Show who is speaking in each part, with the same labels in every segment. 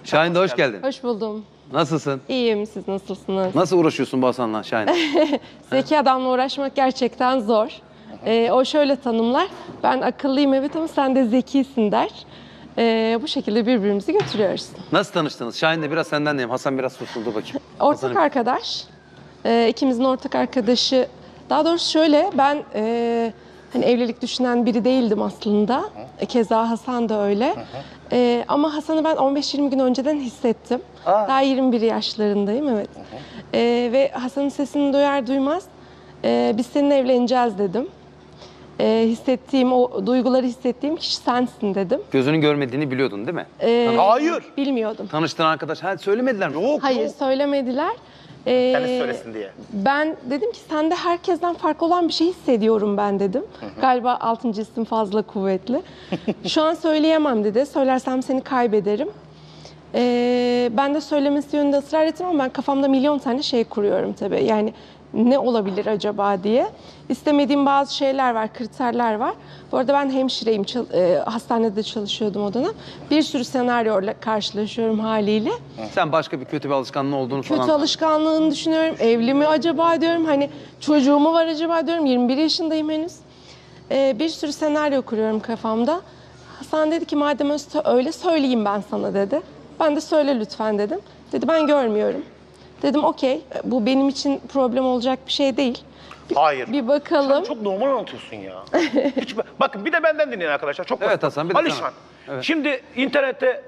Speaker 1: Şahin de hoş geldin.
Speaker 2: Hoş buldum.
Speaker 1: Nasılsın?
Speaker 2: İyiyim, siz nasılsınız?
Speaker 1: Nasıl uğraşıyorsun bu Hasan'la Şahin?
Speaker 2: Zeki adamla uğraşmak gerçekten zor. O şöyle tanımlar, ben akıllıyım evet ama sen de zekisin der. Bu şekilde birbirimizi götürüyoruz.
Speaker 1: Nasıl tanıştınız? Şahin de biraz senden diyeyim. Hasan biraz sussun, dur bakayım.
Speaker 2: Ortak arkadaş. İkimizin ortak arkadaşı. Daha doğrusu şöyle, ben hani evlilik düşünen biri değildim aslında. Keza Hasan da öyle. Ama Hasan'ı ben 15-20 gün önceden hissettim. Daha 21 yaşlarındayım, evet. Ve Hasan'ın sesini duyar duymaz biz seninle evleneceğiz dedim. Hissettiğim, o duyguları hissettiğim kişi sensin dedim.
Speaker 1: Gözünün görmediğini biliyordun değil mi?
Speaker 3: Hayır.
Speaker 2: Bilmiyordum.
Speaker 1: Tanıştığın arkadaş, söylemediler mi?
Speaker 3: Yok.
Speaker 2: Hayır, söylemediler.
Speaker 3: Kendisi söylesin diye.
Speaker 2: Ben dedim ki sende herkesten farklı olan bir şey hissediyorum ben dedim. Galiba 6. isim fazla kuvvetli. Şu an söyleyemem dedi. Söylersem seni kaybederim. Ben de söylemesi yönünde ısrar ettim ama ben kafamda milyon tane şey kuruyorum tabii. Yani ne olabilir acaba diye. İstemediğim bazı şeyler var, kriterler var. Bu arada ben hemşireyim, hastanede çalışıyordum o dönem. Bir sürü senaryoyla karşılaşıyorum haliyle.
Speaker 1: Sen başka bir kötü bir alışkanlığın olduğunu falan...
Speaker 2: Kötü alışkanlığını düşünüyorum. Evli mi acaba diyorum. Hani çocuğu mu var acaba diyorum. 21 yaşındayım henüz. Bir sürü senaryo kuruyorum kafamda. Hasan dedi ki madem öyle söyleyeyim ben sana dedi. Ben de söyle lütfen dedim. Dedi ben görmüyorum. Dedim okey, bu benim için problem olacak bir şey değil.
Speaker 3: Hayır.
Speaker 2: Bir bakalım.
Speaker 3: Sen çok normal anlatıyorsun ya. Bakın bir de benden dinleyin arkadaşlar. Çok
Speaker 1: Evet
Speaker 3: basit.
Speaker 1: Hasan, bir de
Speaker 3: Alişan.
Speaker 1: sana. Evet.
Speaker 3: Şimdi internette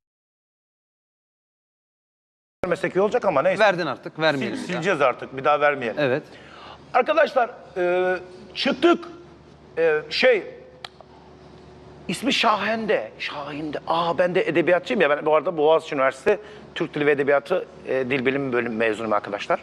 Speaker 3: vermesek iyi olacak ama neyse.
Speaker 1: Verdin artık, vermeyelim bir daha.
Speaker 3: Sileceğiz artık. Bir daha vermeyelim.
Speaker 1: Evet.
Speaker 3: Arkadaşlar çıktık. İsmi Şahin'de. Ben de edebiyatçıyım ya. Ben bu arada Boğaziçi Üniversitesi Türk Dili ve Edebiyatı Dil Bilimi bölümü mezunuyum arkadaşlar.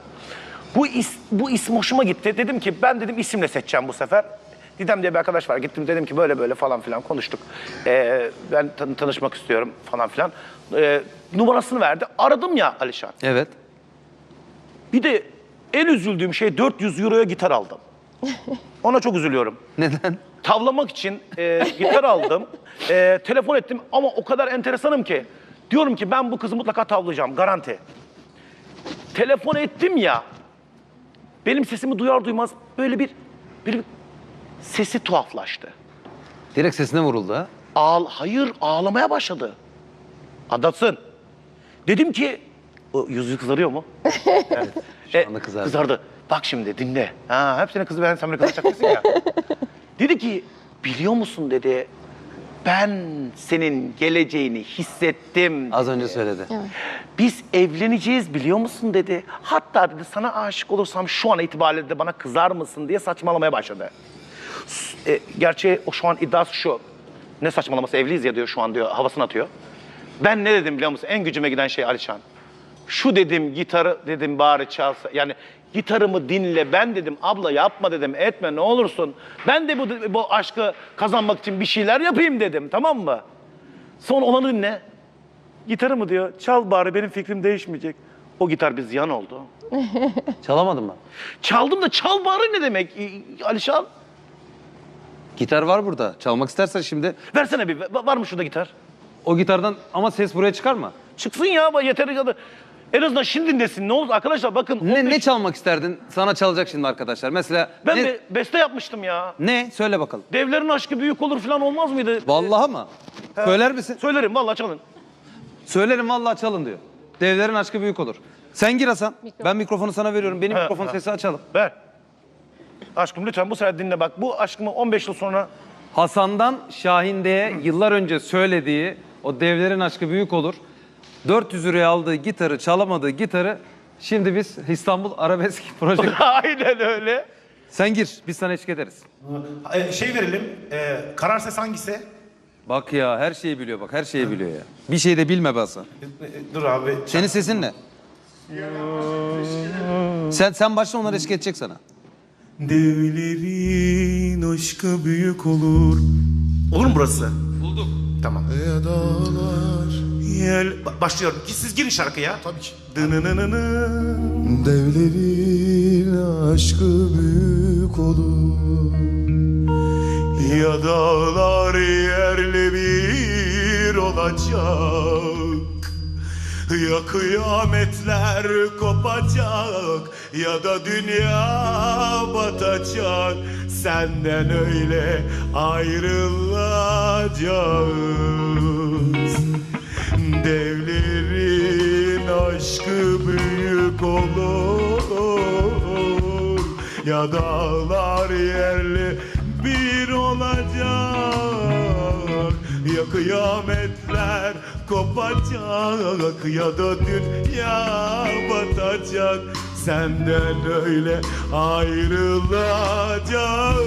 Speaker 3: Bu isim hoşuma gitti. Dedim ki ben dedim isimle seçeceğim bu sefer. Didem diye bir arkadaş var. Gittim dedim ki böyle böyle falan filan konuştuk. Ben tanışmak istiyorum falan filan. Numarasını verdi. Aradım ya Alişan.
Speaker 1: Evet.
Speaker 3: Bir de en üzüldüğüm şey 400 euroya gitar aldım. Ona çok üzülüyorum.
Speaker 1: Neden?
Speaker 3: Tavlamak için gitar aldım. Telefon ettim ama o kadar enteresanım ki. Diyorum ki ben bu kızı mutlaka tavlayacağım, garanti. Telefon ettim ya. Benim sesimi duyar duymaz böyle bir sesi tuhaflaştı.
Speaker 1: Direkt sesine vuruldu ha.
Speaker 3: Hayır, ağlamaya başladı. Anlatsın. Dedim ki, o yüzü kızarıyor mu?
Speaker 1: Evet. Şu anda kızardı.
Speaker 3: Kızardı. Bak şimdi dinle. Hep senin kızı sen beni kızacak ya. Dedi ki, biliyor musun dedi, ben senin geleceğini hissettim.
Speaker 1: Az önce söyledi.
Speaker 2: Evet.
Speaker 3: Biz evleneceğiz biliyor musun dedi. Hatta dedi sana aşık olursam şu an itibariyle de bana kızar mısın diye saçmalamaya başladı. Gerçi o şu an iddiası şu. Ne saçmalaması, evliyiz ya diyor şu an diyor, havasını atıyor. Ben ne dedim biliyor musun? En gücüme giden şey Alişan. Şu dedim, gitarı dedim bari çalsa. Yani gitarımı dinle, ben dedim abla yapma dedim, etme ne olursun. Ben de bu aşkı kazanmak için bir şeyler yapayım dedim, tamam mı? Sonra olanı dinle. Gitarı mı diyor, çal bari benim fikrim değişmeyecek. O gitar bir ziyan oldu.
Speaker 1: Çalamadın mı?
Speaker 3: Çaldım da çal bari ne demek Alişan?
Speaker 1: Gitar var burada. Çalmak istersen şimdi
Speaker 3: Versene bir, var mı şurada gitar?
Speaker 1: o gitardan ama ses buraya çıkar mı?
Speaker 3: Çıksın ya, yeteri kadar. En azından şimdi dinlesin. Ne olur arkadaşlar bakın.
Speaker 1: Ne çalmak isterdin? Sana çalacak şimdi arkadaşlar. Mesela
Speaker 3: Ben beste yapmıştım ya.
Speaker 1: ne? Söyle bakalım.
Speaker 3: Devlerin aşkı büyük olur falan olmaz mıydı?
Speaker 1: Vallahi mı? Söyler misin?
Speaker 3: Söylerim vallahi çalın.
Speaker 1: Söylerim vallahi çalın diyor. Devlerin aşkı büyük olur. Sen gir Hasan. Ben mikrofonu sana veriyorum. Benim mikrofon sesi açalım.
Speaker 3: Ver. Aşkım lütfen bu sefer dinle bak. Bu aşkımı 15 yıl sonra...
Speaker 1: Hasan'dan Şahinde'ye yıllar önce söylediği o devlerin aşkı büyük olur. 400 liraya aldığı gitarı, çalamadığı gitarı şimdi biz İstanbul Arabesk Proje...
Speaker 3: Aynen öyle.
Speaker 1: Sen gir, biz sana eşlik ederiz.
Speaker 4: Verelim. Karar ses hangisi?
Speaker 1: Bak ya, her şeyi biliyor bak, her şeyi biliyor ya. Bir şey de bilme be Hasan.
Speaker 4: Dur abi.
Speaker 1: Senin sesin ne? Sen başla, onlar eşlik edecek sana.
Speaker 4: Devlerin aşkı büyük olur. Olur mu burası?
Speaker 1: Bulduk.
Speaker 4: Tamam. Başlıyorum. Siz girin şarkıya. Tabii ki.
Speaker 5: Devlerin aşkı büyük olur.
Speaker 4: Ya dağlar yerle bir olacak. Ya kıyametler kopacak ya da dünya batacak, senden öyle ayrılacağız. Devlerin aşkı büyük olur ya dağlar yerle bir olacak. Ya kıyametler kopacak ya da dünya batacak, senden öyle ayrılacağız.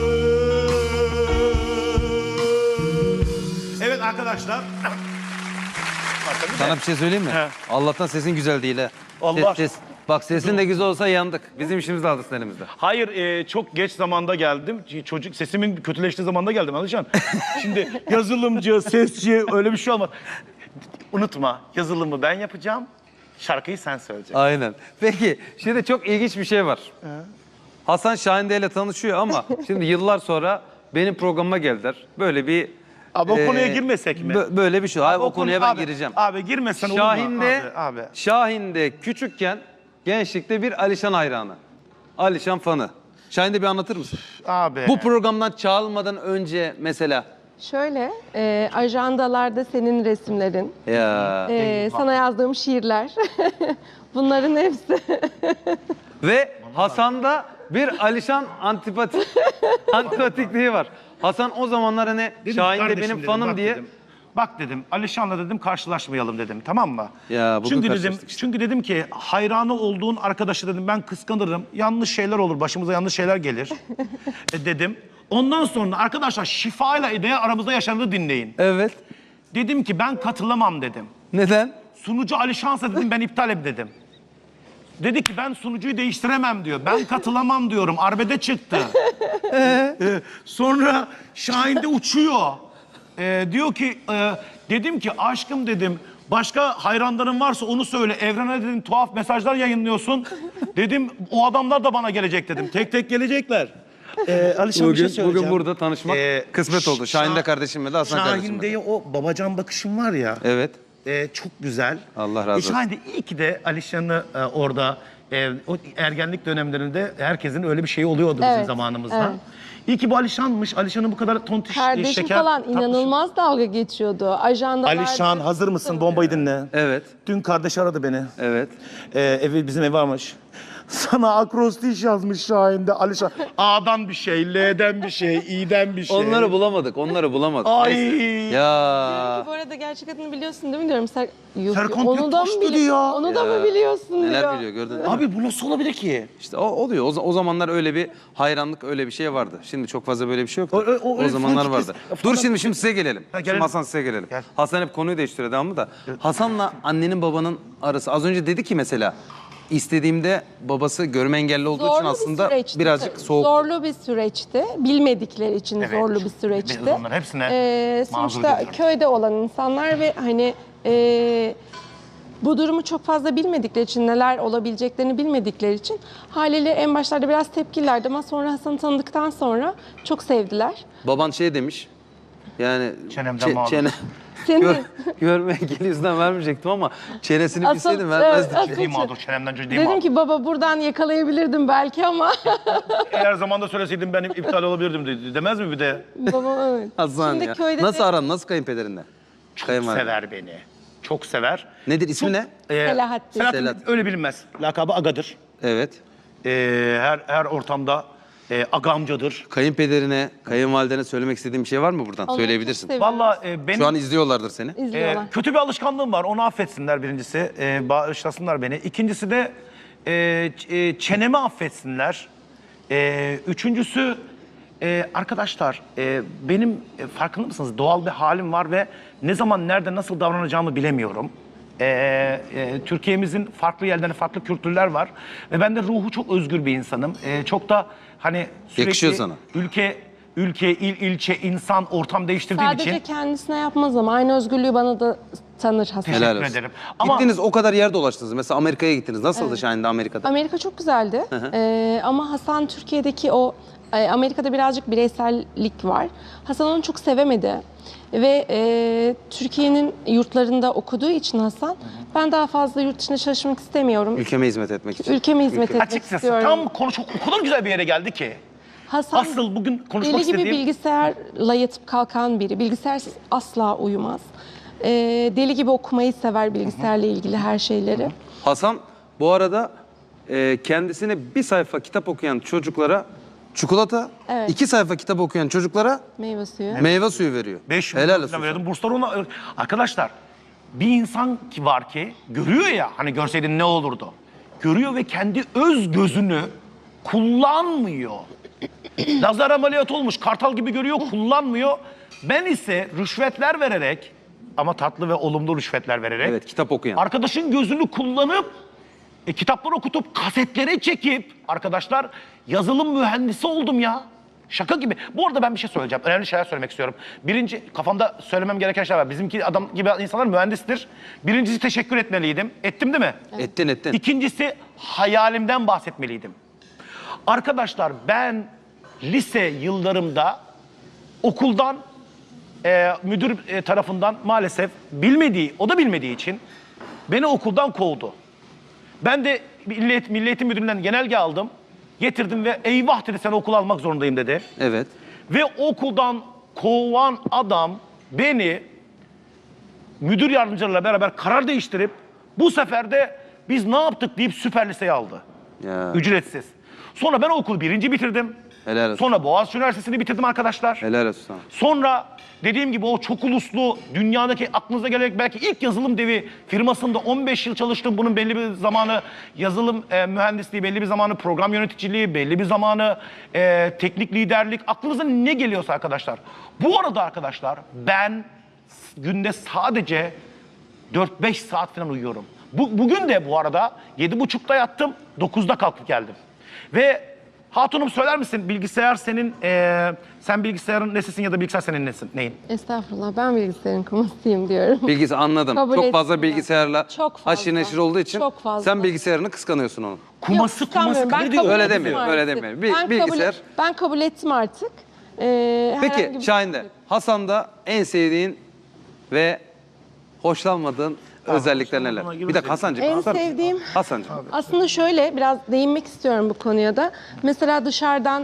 Speaker 4: Evet arkadaşlar.
Speaker 1: Sana bir şey söyleyeyim mi?
Speaker 3: He.
Speaker 1: Allah'tan sesin güzel değil ha.
Speaker 3: Allah.
Speaker 1: Bak sesin de güzel olsa yandık. Bizim işimiz de aldı elimizde.
Speaker 3: Hayır, çok geç zamanda geldim. Çocuk sesimin kötüleştiği zamanda geldim Alişan. Şimdi yazılımcı, sesçi öyle bir şey olmaz. Unutma, yazılımı ben yapacağım, şarkıyı sen söyleyeceksin.
Speaker 1: Aynen. Peki şimdi çok ilginç bir şey var. Hasan Şahinde ile tanışıyor ama şimdi yıllar sonra benim programıma geldiler. Böyle bir...
Speaker 3: Abi o konuya girmesek mi?
Speaker 1: Böyle bir şey. Hayır, o konuya ben
Speaker 3: abi,
Speaker 1: gireceğim.
Speaker 3: Abi girmesen olur mu? Abi.
Speaker 1: Şahin'de küçükken gençlikte bir Alişan hayranı. Alişan fanı. Şahin'de bir anlatır mısın?
Speaker 3: Abi.
Speaker 1: Bu programdan çağrılmadan önce mesela.
Speaker 2: Şöyle, ajandalarda senin resimlerin,
Speaker 1: Ya.
Speaker 2: sana yazdığım şiirler, bunların hepsi.
Speaker 1: Ve Hasan'da bir Alişan antipatikliği var. Hasan o zamanlar hani
Speaker 3: Dedim,
Speaker 1: Şahin de
Speaker 3: kardeşim
Speaker 1: benim
Speaker 3: dedim,
Speaker 1: fanım
Speaker 3: bak
Speaker 1: diye.
Speaker 3: dedim, bak dedim, Alişan'la dedim karşılaşmayalım dedim, tamam mı?
Speaker 1: Ya, bugün
Speaker 3: çünkü dedim,
Speaker 1: karşılaştık işte.
Speaker 3: çünkü dedim ki hayranı olduğun arkadaşı dedim ben kıskanırım. Yanlış şeyler olur, başımıza yanlış şeyler gelir. Dedim. Ondan sonra arkadaşlar şifayla ideye aramızda yaşananı dinleyin.
Speaker 1: Evet.
Speaker 3: Dedim ki ben katılamam dedim.
Speaker 1: Neden?
Speaker 3: Sunucu Alişan'sa dedim ben iptalim dedim. Dedi ki ben sunucuyu değiştiremem diyor. Ben katılamam diyorum. Arbede çıktı. Sonra Şahin de uçuyor. Diyor ki dedim ki aşkım dedim başka hayranların varsa onu söyle. Evrene dedim tuhaf mesajlar yayınlıyorsun. Dedim o adamlar da bana gelecek dedim. Tek tek gelecekler. Alişan bir şey
Speaker 1: Bugün
Speaker 3: söyleyeceğim.
Speaker 1: burada tanışmak kısmet oldu. Şahin de kardeşimle de Hasan kardeşimle.
Speaker 3: Şahin'de o babacan bakışım var ya.
Speaker 1: Evet.
Speaker 3: Çok güzel.
Speaker 1: Allah razı olsun.
Speaker 3: Şahin de iyi ki de Alişan'ı orada o ergenlik dönemlerinde herkesin öyle bir şeyi oluyordu bizim
Speaker 2: Evet,
Speaker 3: zamanımızda.
Speaker 2: evet.
Speaker 3: İyi ki bu Alişan'mış. Alişan'ın bu kadar tontiş
Speaker 2: Kardeşim
Speaker 3: şeker
Speaker 2: falan
Speaker 3: tatlı-
Speaker 2: inanılmaz dalga geçiyordu. Ajandalarda...
Speaker 3: Alişan hazır mısın? Bombayı dinle.
Speaker 1: Evet.
Speaker 3: Dün kardeş aradı beni.
Speaker 1: Evet.
Speaker 3: Bizim ev varmış. Sana akrostiş yazmış Şahin'de Alişan. A'dan bir şey, L'den bir şey, İ'den bir şey.
Speaker 1: Onları bulamadık.
Speaker 3: Ay.
Speaker 1: Ya.
Speaker 2: Bu arada gerçek adını biliyorsun değil mi diyorum.
Speaker 3: Serkan
Speaker 2: onu da mı
Speaker 3: Göktaş'tı diyor.
Speaker 2: Onu da mı biliyorsun diyor.
Speaker 1: Neler biliyor gördün mü?
Speaker 3: Abi bu nasıl olabilir ki?
Speaker 1: İşte o oluyor. O zamanlar öyle bir hayranlık öyle bir şey vardı. Şimdi çok fazla böyle bir şey yok.
Speaker 3: O öyle
Speaker 1: zamanlar
Speaker 3: fanatik-
Speaker 1: vardı.
Speaker 3: fanatik-
Speaker 1: Dur şimdi size gelelim.
Speaker 3: Ha,
Speaker 1: Şimdi
Speaker 3: gelelim.
Speaker 1: Hasan size gelelim.
Speaker 3: Gel.
Speaker 1: Hasan hep konuyu değiştiriyor devamlı da. Hasan'la annenin babanın arası. Az önce dedi ki mesela istediğimde babası görme engelli olduğu için aslında birazcık soğuk.
Speaker 2: Zorlu bir süreçti. Bilmedikleri için
Speaker 3: Evet.
Speaker 2: zorlu bir süreçti.
Speaker 3: Biz onların hepsine mazur
Speaker 2: sonuçta
Speaker 3: görüyorum.
Speaker 2: köyde olan insanlar ve hani bu durumu çok fazla bilmedikleri için, neler olabileceklerini bilmedikleri için haliyle en başlarda biraz tepkilerdi ama sonra Hasan'ı tanıdıktan sonra çok sevdiler.
Speaker 1: Baban şey demiş. Yani
Speaker 3: Çenemden mağdur.
Speaker 2: Senin
Speaker 1: görme engeli yüzünden vermeyecektim ama çenesini
Speaker 2: Asıl-
Speaker 1: bilseydim vermezdim.
Speaker 2: evet,
Speaker 3: Ciddi mağdur, çenemden ciddi
Speaker 2: dedim
Speaker 3: mağdur.
Speaker 2: ki baba buradan yakalayabilirdim belki ama
Speaker 3: Eğer zamanda söyleseydim ben iptal olabilirdim demez mi bir de?
Speaker 2: babam evet.
Speaker 1: Hasan
Speaker 2: Şimdi
Speaker 1: ya.
Speaker 2: köyde
Speaker 1: Nasıl
Speaker 2: de
Speaker 1: aran? Nasıl kayınpederinle?
Speaker 3: Çok
Speaker 1: Kayınvalide.
Speaker 3: sever beni. Çok sever.
Speaker 1: Nedir ismi ne?
Speaker 2: Selahattin.
Speaker 3: Selahattin öyle bilinmez. Lakabı Aga'dır.
Speaker 1: Evet.
Speaker 3: Her ortamda agamcadır.
Speaker 1: Kayınpederine, kayınvalidene söylemek istediğin bir şey var mı buradan?
Speaker 2: Onları
Speaker 1: Söyleyebilirsin.
Speaker 2: çok seviyorum.
Speaker 3: Vallahi benim
Speaker 1: Şu an izliyorlardır seni.
Speaker 2: İzliyorlar.
Speaker 3: kötü bir alışkanlığım var. Onu affetsinler birincisi. Bağışlasınlar beni. İkincisi de çenemi affetsinler. Üçüncüsü arkadaşlar benim farkında mısınız? Doğal bir halim var ve ne zaman nerede nasıl davranacağımı bilemiyorum. Türkiye'mizin farklı yerlerinde farklı kültürler var ve ben de ruhu çok özgür bir insanım. Çok da hani sürekli
Speaker 1: Yakışıyor sana.
Speaker 3: ülke, ilçe, insan, ortam değiştirdiğim
Speaker 2: Sadece
Speaker 3: için
Speaker 2: kendisine yapmaz ama aynı özgürlüğü bana da tanır Hasan.
Speaker 1: Helal
Speaker 3: teşekkür
Speaker 1: olsun.
Speaker 3: ederim. Ama
Speaker 1: Gittiniz o kadar yer dolaştınız. Mesela Amerika'ya gittiniz. Nasıldı Şahin'de Amerika'da?
Speaker 2: Amerika çok güzeldi. Ama Hasan Türkiye'deki o Amerika'da birazcık bireysellik var. Hasan onu çok sevemedi. Ve Türkiye'nin yurtlarında okuduğu için Hasan, ben daha fazla yurt dışında çalışmak istemiyorum.
Speaker 1: Ülkeme hizmet etmek için.
Speaker 2: Ülkeme hizmet etmek
Speaker 3: Açıkçası
Speaker 2: istiyorum.
Speaker 3: tam konu çok o kadar güzel bir yere geldi ki.
Speaker 2: Hasan,
Speaker 3: Asıl bugün konuşmak
Speaker 2: deli gibi
Speaker 3: istediğim...
Speaker 2: bilgisayarla yatıp kalkan biri. Bilgisayarsız asla uyumaz. Deli gibi okumayı sever bilgisayarla ilgili her şeyleri.
Speaker 1: Hasan bu arada kendisine bir sayfa kitap okuyan çocuklara çikolata,
Speaker 2: Evet.
Speaker 1: 2 sayfa kitap okuyan çocuklara
Speaker 2: Meyve suyu.
Speaker 1: meyve suyu veriyor.
Speaker 3: 5
Speaker 1: Helal
Speaker 3: milyon
Speaker 1: olsun.
Speaker 3: falan veriyordum. Burslar ona... Arkadaşlar bir insan ki var ki görüyor ya, hani görseydin ne olurdu? Görüyor ve kendi öz gözünü kullanmıyor. Lazer ameliyatı olmuş, kartal gibi görüyor, kullanmıyor. Ben ise rüşvetler vererek, ama tatlı ve olumlu rüşvetler vererek...
Speaker 1: Evet, kitap okuyan.
Speaker 3: Arkadaşın gözünü kullanıp, kitapları okutup, kasetlere çekip... Arkadaşlar, yazılım mühendisi oldum ya. Şaka gibi. Bu arada ben bir şey söyleyeceğim. Önemli şeyler söylemek istiyorum. Birinci, kafamda söylemem gereken şeyler var. Bizimki adam gibi insanlar mühendistir. Birincisi teşekkür etmeliydim. Ettim değil mi?
Speaker 1: Ettin.
Speaker 3: İkincisi hayalimden bahsetmeliydim. Arkadaşlar ben lise yıllarımda okuldan müdür tarafından maalesef o da bilmediği için beni okuldan kovdu. Ben de Milli Eğitim Müdürlüğü'nden genelge aldım. Getirdim ve eyvah dedi, sen okula almak zorundayım dedi.
Speaker 1: Evet.
Speaker 3: Ve okuldan kovan adam beni müdür yardımcılarıyla beraber karar değiştirip bu sefer de biz ne yaptık deyip süper liseye aldı.
Speaker 1: Ya.
Speaker 3: Ücretsiz. Sonra ben okulu 1. bitirdim.
Speaker 1: Helal olsun.
Speaker 3: Sonra Boğaziçi Üniversitesi'ni bitirdim arkadaşlar.
Speaker 1: Helal olsun sana.
Speaker 3: Sonra dediğim gibi o çok uluslu dünyadaki aklınıza gelecek belki ilk yazılım devi firmasında 15 yıl çalıştım. Bunun belli bir zamanı yazılım mühendisliği, belli bir zamanı program yöneticiliği, belli bir zamanı teknik liderlik. Aklınıza ne geliyorsa arkadaşlar. Bu arada arkadaşlar ben günde sadece 4-5 saat falan uyuyorum. Bugün de bu arada 7.30'da yattım, 9'da kalkıp geldim. Ve hatunum söyler misin bilgisayar senin, sen bilgisayarın nesisin ya da bilgisayar senin neyin?
Speaker 2: Estağfurullah, ben bilgisayarın kumasıyım diyorum.
Speaker 1: Bilgisi anladım.
Speaker 2: Kabul
Speaker 1: Çok fazla
Speaker 2: etmiyorum.
Speaker 1: bilgisayarla
Speaker 2: Çok fazla.
Speaker 1: haşir neşir olduğu için
Speaker 2: Çok fazla.
Speaker 1: sen bilgisayarını kıskanıyorsun onu.
Speaker 3: Kuması
Speaker 2: Kıskanmıyorum. Ben
Speaker 3: diyor.
Speaker 2: kabul
Speaker 1: Öyle
Speaker 2: ettim
Speaker 1: demiyorum,
Speaker 2: artık.
Speaker 1: öyle demiyorum.
Speaker 2: Ben
Speaker 1: Bilgisayar-
Speaker 2: ben kabul ettim artık. Herhangi
Speaker 1: Peki
Speaker 2: bir-
Speaker 1: Şahin'de, Hasan'da en sevdiğin ve hoşlanmadığın özellikler neler? Bir dakika Hasan'cığım.
Speaker 2: En
Speaker 1: Hasan-
Speaker 2: sevdiğim-
Speaker 1: Hasan'cığım.
Speaker 2: Aslında şöyle biraz değinmek istiyorum bu konuya da. Mesela dışarıdan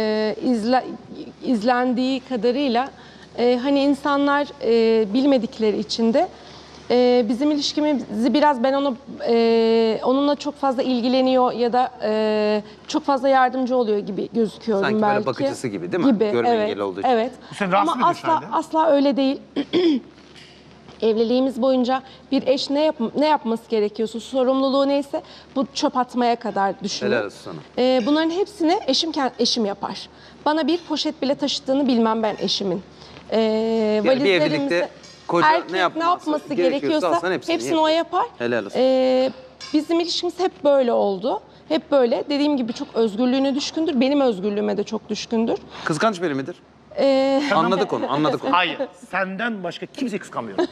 Speaker 2: izlendiği kadarıyla hani insanlar bilmedikleri için de bizim ilişkimizi biraz ben onunla çok fazla ilgileniyor ya da çok fazla yardımcı oluyor gibi gözüküyorum
Speaker 1: Sanki
Speaker 2: belki.
Speaker 1: böyle bakıcısı gibi değil mi? Görme
Speaker 2: evet,
Speaker 1: engeli olduğu için.
Speaker 2: Evet.
Speaker 3: Bu seni rahatsız
Speaker 2: Ama
Speaker 3: ediyor Şahin'de.
Speaker 2: asla öyle değil. Evliliğimiz boyunca bir eş ne yapması gerekiyorsa, sorumluluğu neyse bu çöp atmaya kadar düşünün.
Speaker 1: Helal olsun sana.
Speaker 2: Bunların hepsini eşim yapar. Bana bir poşet bile taşıdığını bilmem ben eşimin.
Speaker 1: Yani bir evlilikte koca
Speaker 2: erkek
Speaker 1: ne yapması
Speaker 2: gerekiyorsa
Speaker 1: aslında
Speaker 2: hepsini o yapar.
Speaker 1: Helal olsun.
Speaker 2: Bizim ilişkimiz hep böyle oldu. Hep böyle. Dediğim gibi çok özgürlüğüne düşkündür. Benim özgürlüğüme de çok düşkündür.
Speaker 1: Kıskanç biri midir? Anladık onu.
Speaker 3: Hayır, senden başka kimseyi kıskanmıyorum.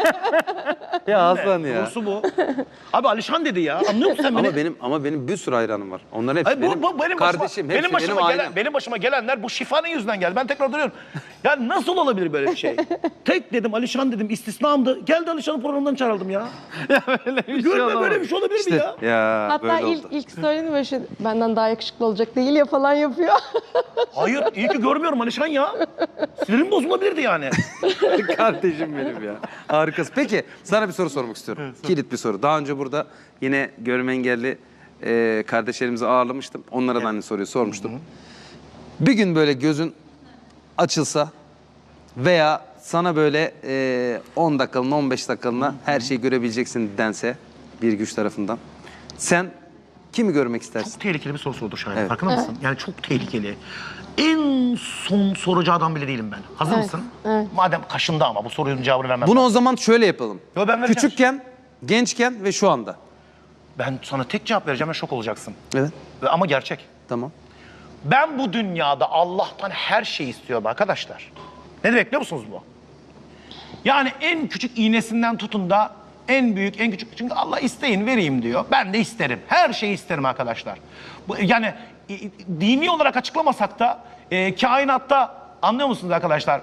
Speaker 1: Ya Hasan ya.
Speaker 3: Doğrusu bu. Abi Alişan dedi ya, anlıyor musun sen beni?
Speaker 1: Ama benim bir sürü hayranım var. Onların hepsi
Speaker 3: Hayır,
Speaker 1: benim kardeşim, hepsi benim ailem.
Speaker 3: benim başıma gelenler bu şifanın yüzünden geldi. Ben tekrar duruyorum. Ya nasıl olabilir böyle bir şey? Tek dedim Alişan dedim, istisnamdı. Geldi Alişan'ın programından çağrıldım ya.
Speaker 1: Böyle bir
Speaker 3: Görme böyle bir şey olabilir mi ya?
Speaker 1: Ya
Speaker 2: Hatta
Speaker 1: böyle oldu.
Speaker 2: ilk söyledi böyle şey, benden daha yakışıklı olacak değil ya falan yapıyor.
Speaker 3: Hayır, iyi ki görmüyorum Alişan ya. Sinirim bozulabilirdi yani.
Speaker 1: Kardeşim benim ya. Harikasın. Peki sana bir soru sormak istiyorum. Kilit bir soru. Daha önce burada yine görme engelli kardeşlerimizi ağırlamıştım. Onlara da aynı soruyu sormuştum. Bir gün böyle gözün açılsa veya sana böyle 10 dakikalığına 15 dakikalığına her şeyi görebileceksin dense bir güç tarafından. Sen kimi görmek istersin?
Speaker 3: Çok tehlikeli bir soru sordu Şahin.
Speaker 1: Evet.
Speaker 3: Farkında mısın? Yani çok tehlikeli. En son soracağı adam bile değilim ben. Hazır
Speaker 2: Evet,
Speaker 3: mısın?
Speaker 2: evet.
Speaker 3: Madem kaşındı ama bu sorunun cevabını vermem.
Speaker 1: Bunu o zaman şöyle yapalım.
Speaker 3: Yo, ben vereceğim.
Speaker 1: Küçükken, gençken ve şu anda.
Speaker 3: Ben sana tek cevap vereceğim ve şok olacaksın.
Speaker 1: Evet.
Speaker 3: Ama gerçek.
Speaker 1: Tamam.
Speaker 3: Ben bu dünyada Allah'tan her şeyi istiyorum arkadaşlar. Ne demek biliyor musunuz bu? Yani en küçük iğnesinden tutun da en büyük, en küçük. Çünkü Allah isteyin vereyim diyor. Ben de isterim. Her şeyi isterim arkadaşlar. Yani dini olarak açıklamasak da kainatta anlıyor musunuz arkadaşlar?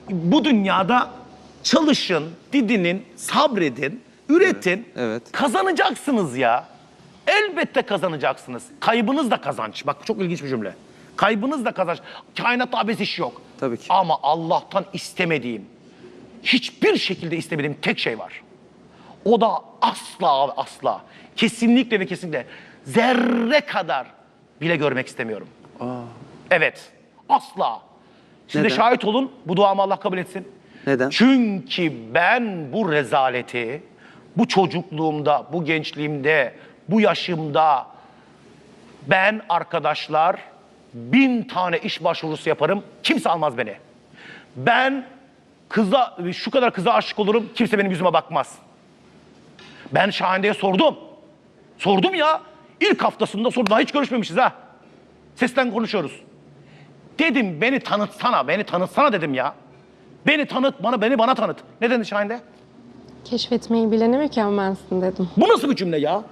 Speaker 3: bu dünyada çalışın, didinin, sabredin, üretin.
Speaker 1: evet.
Speaker 3: Kazanacaksınız ya. Elbette kazanacaksınız. Kaybınız da kazanç. Bak çok ilginç bir cümle. Kaybınız da kazanç. Kainatta abes iş yok.
Speaker 1: Tabii ki.
Speaker 3: Ama Allah'tan istemediğim, hiçbir şekilde istemediğim tek şey var. O da asla ve asla, kesinlikle ve kesinlikle zerre kadar bile görmek istemiyorum. Evet, asla. Siz de
Speaker 1: Neden?
Speaker 3: şahit olun, bu duamı Allah kabul etsin.
Speaker 1: Neden?
Speaker 3: Çünkü ben bu rezaleti, bu çocukluğumda, bu gençliğimde, bu yaşımda, ben arkadaşlar 1000 tane iş başvurusu yaparım, kimse almaz beni. Ben şu kadar kıza aşık olurum, kimse benim yüzüme bakmaz. Ben Şahine'ye sordum. Sordum ya. İlk haftasında sordum. Daha hiç görüşmemişiz ha. Sesten konuşuyoruz. Dedim beni tanıtsana dedim ya. Beni tanıt, beni bana tanıt. Ne dedi Şahinde?
Speaker 2: Keşfetmeyi bilene mükemmelsin dedim.
Speaker 3: Bu nasıl bir cümle ya?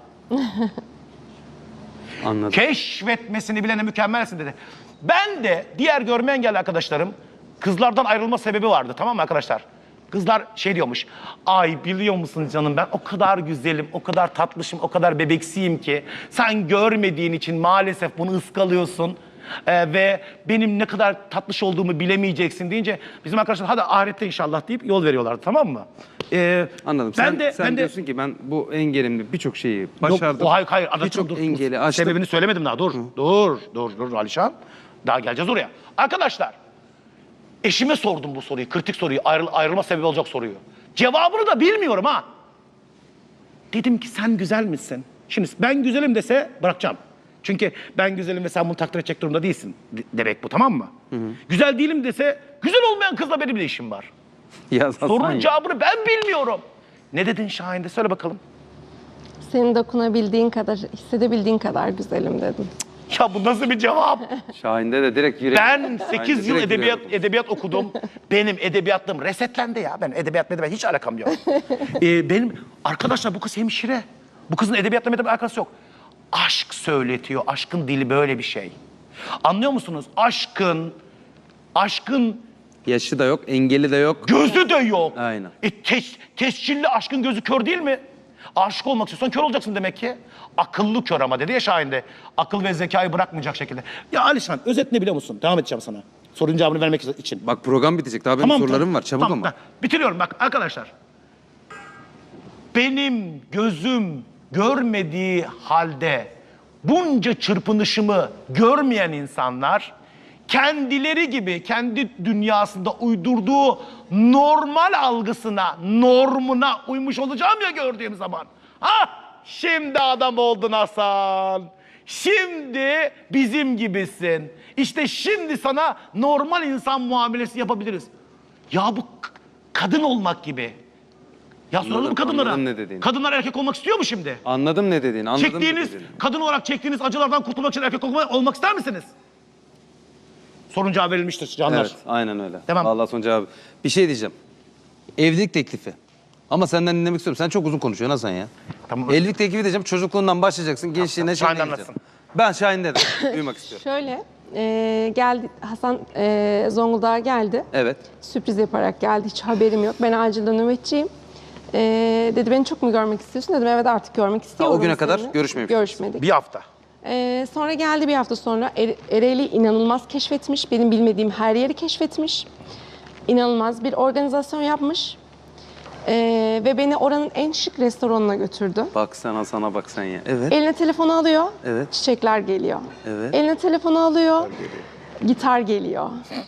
Speaker 1: Anladım.
Speaker 3: Keşfetmesini bilene mükemmelsin dedi. Ben de diğer görme engelli arkadaşlarım kızlardan ayrılma sebebi vardı, tamam mı arkadaşlar? Kızlar şey diyormuş. Ay biliyor musun canım, ben o kadar güzelim, o kadar tatlışım, o kadar bebeksiyim ki sen görmediğin için maalesef bunu ıskalıyorsun. Ve benim ne kadar tatlış olduğumu bilemeyeceksin deyince bizim arkadaşlar hadi ahirette inşallah deyip yol veriyorlardı, tamam mı?
Speaker 1: Anladım. Sen diyorsun ki ben bu engelimle birçok şeyi başardım.
Speaker 3: Yok, hayır.
Speaker 1: Birçok
Speaker 3: Dur.
Speaker 1: engeli aştım.
Speaker 3: Sebebini söylemedim daha. Dur Alişan. Daha geleceğiz oraya. Arkadaşlar, eşime sordum bu soruyu, kritik soruyu, ayrılma sebebi olacak soruyu. Cevabını da bilmiyorum ha. Dedim ki sen güzel misin? Şimdi ben güzelim dese bırakacağım. Çünkü ben güzelim ve sen bunu takdir edecek durumda değilsin demek bu, tamam mı? Güzel değilim dese güzel olmayan kızla benim de işim var. Sorunun cevabını ben bilmiyorum. Ne dedin Şahin'de? Söyle bakalım.
Speaker 2: Senin dokunabildiğin kadar, hissedebildiğin kadar güzelim dedim.
Speaker 3: Ya bu nasıl bir cevap?
Speaker 1: Şahin'de de direkt yürek.
Speaker 3: Ben 8 yıl
Speaker 1: direkt yürek.
Speaker 3: edebiyat okudum. Benim edebiyatlığım resetlendi ya. Ben edebiyatla hiç alakam yok. Benim arkadaşlar bu kız hemşire. Bu kızın edebiyatla bir alakası yok. Aşk söyletiyor. Aşkın dili böyle bir şey. Anlıyor musunuz? Aşkın
Speaker 1: Yaşı da yok, engeli de yok.
Speaker 3: gözü de yok.
Speaker 1: Aynen.
Speaker 3: Tescilli aşkın gözü kör değil mi? Aşık olmak istiyorsan kör olacaksın demek ki. Akıllı kör ama dedi ya Şahin'de. Akıl ve zekayı bırakmayacak şekilde. Ya Alişan, özet ne biliyor musun? Devam edeceğim sana. Sorunun cevabını vermek için.
Speaker 1: Bak program bitecek. Daha benim sorularım var. Çabuk ama.
Speaker 3: Bitiriyorum bak arkadaşlar. Benim gözüm görmediği halde bunca çırpınışımı görmeyen insanlar kendileri gibi kendi dünyasında uydurduğu normal algısına, normuna uymuş olacağım ya gördüğüm zaman. Ha, şimdi adam oldun Hasan. Şimdi bizim gibisin. İşte şimdi sana normal insan muamelesi yapabiliriz. Ya bu kadın olmak gibi. Ya soralım kadınlara.
Speaker 1: Anladım ne dediğini.
Speaker 3: Kadınlar erkek olmak istiyor mu şimdi?
Speaker 1: Anladım ne dediğini.
Speaker 3: Kadın olarak çektiğiniz acılardan kurtulmak için erkek olmak ister misiniz? Sorun cevabı verilmiştir canlar.
Speaker 1: Evet, aynen öyle.
Speaker 3: Tamam.
Speaker 1: Vallahi son cevabı. Bir şey diyeceğim. Evlilik teklifi. Ama senden dinlemek istiyorum. Sen çok uzun konuşuyorsun Hasan ya.
Speaker 3: Tamam.
Speaker 1: Evlilik teklifi diyeceğim. Çocukluğundan başlayacaksın. Gençliğine
Speaker 3: Şahin
Speaker 1: şeyine
Speaker 3: anlatsın.
Speaker 1: gideceksin. Ben Şahin'de de duymak istiyorum.
Speaker 2: Şöyle, geldi Hasan Zonguldak'a geldi.
Speaker 1: Evet.
Speaker 2: Sürpriz yaparak geldi. Hiç haberim yok. Ben acilde nöbetçiyim. Dedi beni çok mu görmek istiyorsun? Dedim evet artık görmek istiyorum.
Speaker 1: o güne kadar
Speaker 2: seni.
Speaker 1: görüşmemiştiniz.
Speaker 2: Görüşmedik.
Speaker 3: Bir hafta.
Speaker 2: Sonra geldi bir hafta sonra Ereğli inanılmaz keşfetmiş. Benim bilmediğim her yeri keşfetmiş. İnanılmaz bir organizasyon yapmış. Ve beni oranın en şık restoranına götürdü.
Speaker 1: Bak sen Hasan'a bak sen ya. Evet.
Speaker 2: Eline telefonu alıyor.
Speaker 1: Evet.
Speaker 2: Çiçekler geliyor.
Speaker 1: Evet.
Speaker 2: Eline telefonu alıyor. Gitar geliyor.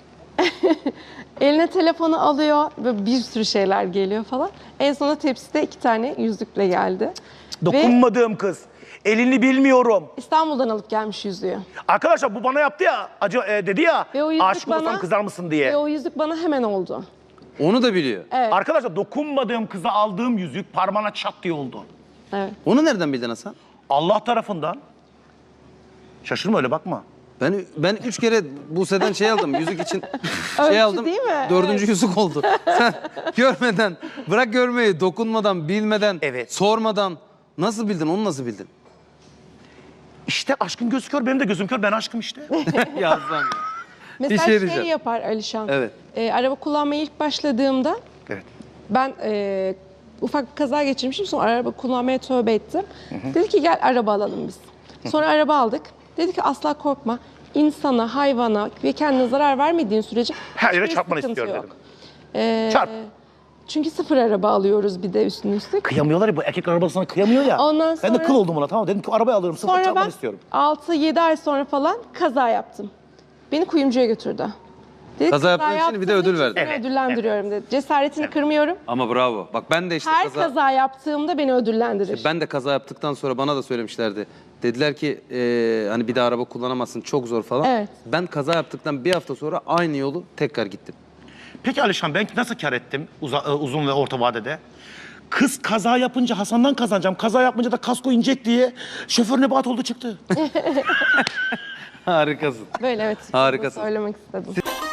Speaker 2: Eline telefonu alıyor ve bir sürü şeyler geliyor falan. En sonunda tepside 2 tane yüzükle geldi.
Speaker 3: Dokunmadığım kız. Elini bilmiyorum.
Speaker 2: İstanbul'dan alıp gelmiş yüzüğü.
Speaker 3: Arkadaşlar bu bana yaptı ya. Dedi ya.
Speaker 2: Ve o yüzük
Speaker 3: Aşık olursam kızar mısın diye.
Speaker 2: Ve o yüzük bana hemen oldu.
Speaker 1: Onu da biliyor.
Speaker 2: Evet.
Speaker 3: Arkadaşlar dokunmadığım kıza aldığım yüzük parmağına çat diye oldu.
Speaker 2: Evet.
Speaker 1: Onu nereden bildin Hasan?
Speaker 3: Allah tarafından. Şaşırma öyle bakma.
Speaker 1: Ben 3 kere Buse'den şey aldım. Yüzük için
Speaker 2: Ölçü
Speaker 1: şey aldım.
Speaker 2: değil mi?
Speaker 1: 4.
Speaker 2: Evet.
Speaker 1: yüzük oldu. Sen görmeden, bırak görmeyi, dokunmadan, bilmeden,
Speaker 3: Evet.
Speaker 1: sormadan nasıl bildin? Onu nasıl bildin?
Speaker 3: İşte aşkın gözü kör, benim de gözüm kör. Ben aşkım işte.
Speaker 1: Ya Hasan ya.
Speaker 2: Mesela
Speaker 1: şey
Speaker 2: şey
Speaker 1: diyeceğim.
Speaker 2: yapar Alişan.
Speaker 1: Evet.
Speaker 2: araba kullanmaya ilk başladığımda
Speaker 3: Evet.
Speaker 2: ben ufak bir kaza geçirmişim. Sonra araba kullanmaya tövbe ettim. Dedi ki gel araba alalım biz. Sonra araba aldık. Dedi ki asla korkma. İnsana, hayvana ve kendine zarar vermediğin sürece
Speaker 3: Her yere
Speaker 2: hiçbir
Speaker 3: çarpmanı
Speaker 2: sıkıntı
Speaker 3: istiyorum
Speaker 2: yok.
Speaker 3: dedim. Çarp.
Speaker 2: Çünkü sıfır araba alıyoruz bir de üstüne üstlük.
Speaker 3: Kıyamıyorlar ya, bu erkek arabasına kıyamıyor ya.
Speaker 2: Ondan
Speaker 3: Ben de
Speaker 2: sonra-
Speaker 3: kıl oldum ona, tamam dedim ki arabayı alıyorum, sıfır
Speaker 2: Sonra
Speaker 3: çarpmanı
Speaker 2: ben
Speaker 3: istiyorum.
Speaker 2: 6-7 ay sonra falan kaza yaptım. Beni kuyumcuya götürdü. Dedi,
Speaker 1: Kaza yaptığın için bir de
Speaker 2: yaptığın
Speaker 1: ödül
Speaker 2: için
Speaker 1: verdi.
Speaker 2: seni
Speaker 3: Evet,
Speaker 2: ödüllendiriyorum dedi. Cesaretini kırmıyorum.
Speaker 1: Ama bravo. Bak ben de işte
Speaker 2: Her kaza yaptığımda beni ödüllendirir.
Speaker 1: Ben de kaza yaptıktan sonra bana da söylemişlerdi. Dediler ki hani bir daha araba kullanamazsın, çok zor falan.
Speaker 2: Evet.
Speaker 1: Ben kaza yaptıktan bir hafta sonra aynı yolu tekrar gittim.
Speaker 3: Peki Alişan, ben nasıl kar ettim uzun ve orta vadede? Kız kaza yapınca Hasan'dan kazanacağım, kaza yapınca da kasko inecek diye şoför nebat oldu çıktı.
Speaker 1: Harikasın.
Speaker 2: Böyle evet.
Speaker 1: Harikasın.
Speaker 2: Bunu söylemek istedim.